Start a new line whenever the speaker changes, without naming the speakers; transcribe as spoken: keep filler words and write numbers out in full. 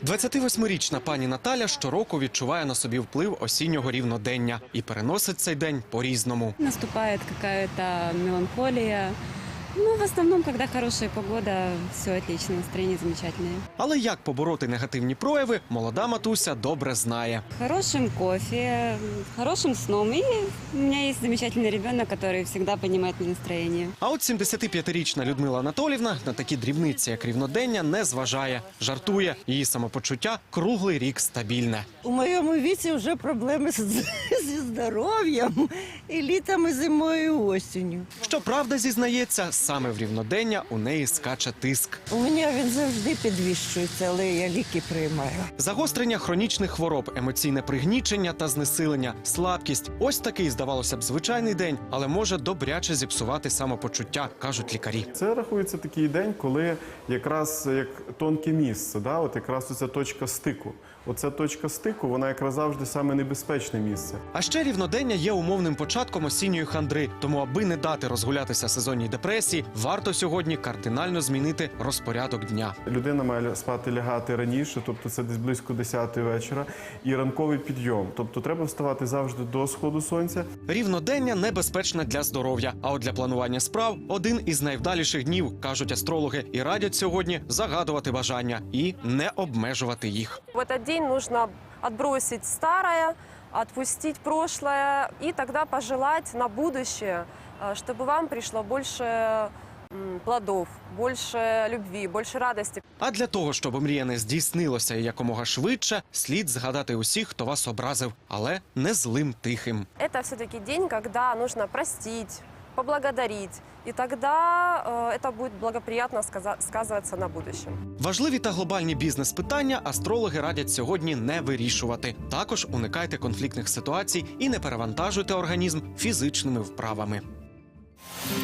двадцятивосьмирічна пані Наталя щороку відчуває на собі вплив осіннього рівнодення і переносить цей день по-різному.
Наступает какая-то меланхолия. Ну, в основном, когда хорошая погода, все отлично, настроение замечательное.
Але як побороти негативні прояви, молода матуся добре знає.
Хорошим кофе, хорошим сном. И у меня есть замечательный ребенок, который всегда поднимает мне настроение.
А от сімдесятип'ятирічна Людмила Анатоліївна на такі дрібниці, як рівнодення, не зважає. Жартує, її самопочуття круглий рік стабільне.
У моєму віці вже проблеми з- зі здоров'ям і літом, і зимою, і осінню.
Щоправда, зізнається, саме в рівнодення у неї скаче тиск.
У мене він завжди підвищується, але я ліки приймаю.
Загострення хронічних хвороб, емоційне пригнічення та знесилення, слабкість – ось такий, здавалося б, звичайний день, але може добряче зіпсувати самопочуття, кажуть лікарі.
Це рахується такий день, коли якраз як тонке місце, да? От якраз оця точка стику. Оця точка стику, вона якраз завжди саме небезпечне місце.
А ще рівнодення є умовним початком осінньої хандри, тому аби не дати розгулятися сезонній депресії, варто сьогодні кардинально змінити розпорядок дня.
Людина має спати лягати раніше, тобто це десь близько десятої вечора, і ранковий підйом. Тобто треба вставати завжди до сходу сонця.
Рівнодення небезпечне для здоров'я, а от для планування справ – один із найвдаліших днів, кажуть астрологи, і радять сьогодні загадувати бажання і не обмежувати їх.
В этот день нужно отбросить старое, отпустить прошлое и тогда пожелать на будущее, э, чтобы вам пришло больше м, плодов, больше любви, больше радости.
А для того, щоб мріяне здійснилося і якомога швидше, слід згадати усіх, хто вас образив, але не злим тихим.
Это все-таки день, когда нужно простить, поблагодарить, и тогда э, это будет благоприятно сказа- сказываться на будущем.
Важливі та глобальні бізнес-питання астрологи радять сьогодні не вирішувати. Також уникайте конфліктних ситуацій і не перевантажуйте організм фізичними вправами.